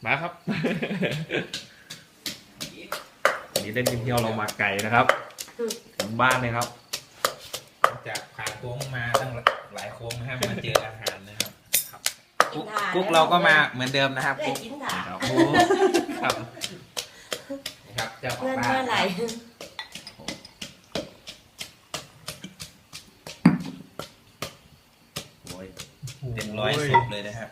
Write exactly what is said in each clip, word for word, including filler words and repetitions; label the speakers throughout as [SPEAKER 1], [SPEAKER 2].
[SPEAKER 1] มาครับวันนี้เล่นกินเที่ยวเรามาไก่นะครับถึงบ้านเลยครับ
[SPEAKER 2] จากผ่านโค้งมาตั้งหลายโค้งนะครับมาเจออาหารนะครับกุ๊กเราก็มาเหมือนเดิมนะครับกุ๊กครับครับครับเจ้าของบ้านโอ้ยเต็มร้อยสิบเลยนะครับ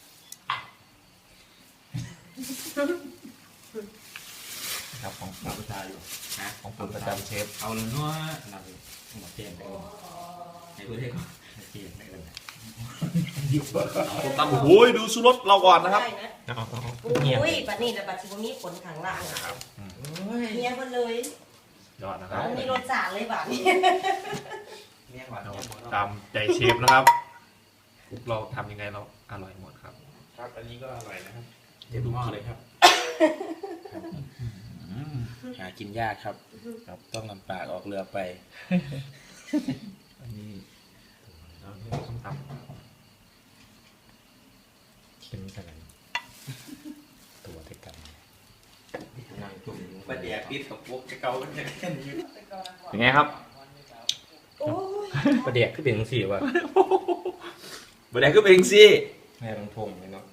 [SPEAKER 2] ครับของผมประจำอยู่ฮะของผมประจำเชฟเอาเลยเนาะนำหมดเจนไปเลยให้ดูได้ก่อนเจนไปเลย
[SPEAKER 1] ผมตำโอ้ยดูสุรสเราก่อนนะครับ
[SPEAKER 3] อุ้ยปัดนี่แต่ปัดชิบุมีขนขังล่างครับเมียคนเลย
[SPEAKER 1] ยอดนะครับ
[SPEAKER 3] มีรสจัดเลยแบบนี้
[SPEAKER 2] เมียหวาน
[SPEAKER 1] ตามใจเชฟนะครับเราทำยังไงเราอร่อยหมดครับ
[SPEAKER 2] ครับอันนี้ก็อร่อยนะครับเดี๋ยวดูหม้อเลยครับหากินยากครับครับต้องลำปากออกเรือไป
[SPEAKER 1] อันนี้เราเรียกส้มตำเป็นอะไรตัวเท่ากัน
[SPEAKER 2] ประเดี๋ยวปิดกับพวกจะเกากันแค่นี้
[SPEAKER 1] เป็นไงครับ
[SPEAKER 4] ประเดี๋ยวขึ้นเป็นสี่ว่ะ
[SPEAKER 1] ประเดี๋ยวก็เป็นสิ
[SPEAKER 4] แม่ลงทงเลยเนาะ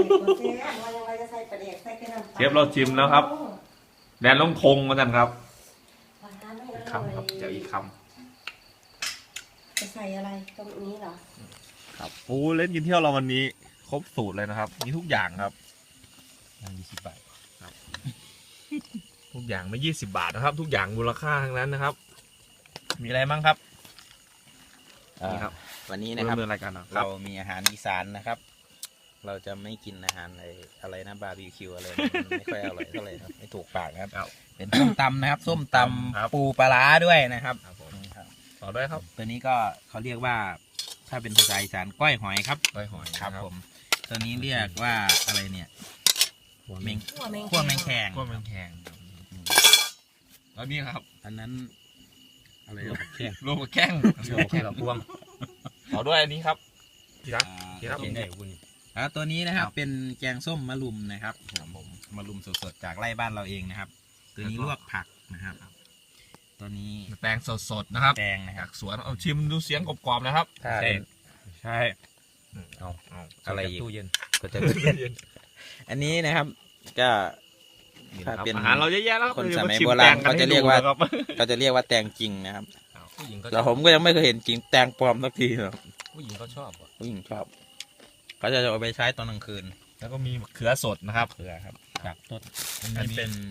[SPEAKER 1] เชฟเราชิมแล้วครับแดนลงทงมากันครับอีกคำครับเดี๋ยวอีกค
[SPEAKER 3] ำจะใส่อะไรตรงนี้เหรอ
[SPEAKER 1] ครับโอ้เล่นกินเที่ยวเราวันนี้ครบสูตรเลยนะครับมีทุกอย่างครับ
[SPEAKER 4] ยี่สิบบาท
[SPEAKER 1] ครับทุกอย่างไม่ยี่สิบบาทนะครับทุกอย่างมูลค่าทั้งนั้นนะครับมีอะไรบ้างครับ
[SPEAKER 2] นี่ครับวันนี้นะครับ
[SPEAKER 1] เรา
[SPEAKER 2] มีอาหารอีสานนะครับเราจะไม่กินอาหารอะไรอะไรนะบาร์บีคิวอะไรไม่ค่อยอร่อยเท่าไหร่ครับไม่ถูกปากนะครับเป็นส้มตำนะครับส้มตำปูปลาร้าด้วยนะครับ
[SPEAKER 1] ต่อด้วยครับ
[SPEAKER 2] ตัวนี้ก็เขาเรียกว่าถ้าเป็นภาษาอีสานก้อยหอยครับ
[SPEAKER 1] ก้อยหอย
[SPEAKER 2] ครับผมตัวนี้เรียกว่าอะไรเนี่ย
[SPEAKER 3] เมง
[SPEAKER 2] ขั้วแมงแคง
[SPEAKER 1] ขั้วแมงแคงแล้วนี่ครับ
[SPEAKER 2] อันนั้นอะไรลูกแคง
[SPEAKER 1] ลูกแข้งลูกแข้งพวงต่อด้วยอันนี้ครับที่รักที่รัก
[SPEAKER 2] ได้คุณแล้วตัวนี้นะครับเป็นแกงส้มมะรุมนะครับผมมะรุมสดๆจากไร่บ้านเราเองนะครับตัวนี้ลวกผักนะครับตัวนี้
[SPEAKER 1] แตงสดๆนะครับ
[SPEAKER 2] แตงนะครับ
[SPEAKER 1] สวนเอาชิมดูเสียงกรอบๆนะครับ
[SPEAKER 2] ใช่ใช่
[SPEAKER 1] เอาเอา
[SPEAKER 2] อะไรอีก
[SPEAKER 4] ตู้เย็น
[SPEAKER 2] ก็จะตู้เย็นอันนี้นะครับก็
[SPEAKER 1] ถ้าเป็นอาหารเราเยอะแยะแล้ว
[SPEAKER 2] คนสมัยโบราณเขาจะเรียกว่าเขาจะเรียกว่าแตงจริงนะครับแต่ผมก็ยังไม่เคยเห็นจริงแตงปลอมสักทีหรอก
[SPEAKER 4] ผู้หญิงก็ชอบ
[SPEAKER 2] ผู้หญิงชอบเขาจะเอาไปใช้ตอนกลางคืน
[SPEAKER 1] แล้วก็มีเขือสดนะครับ
[SPEAKER 2] เขือครับจากต้น
[SPEAKER 1] อันนี้เป็น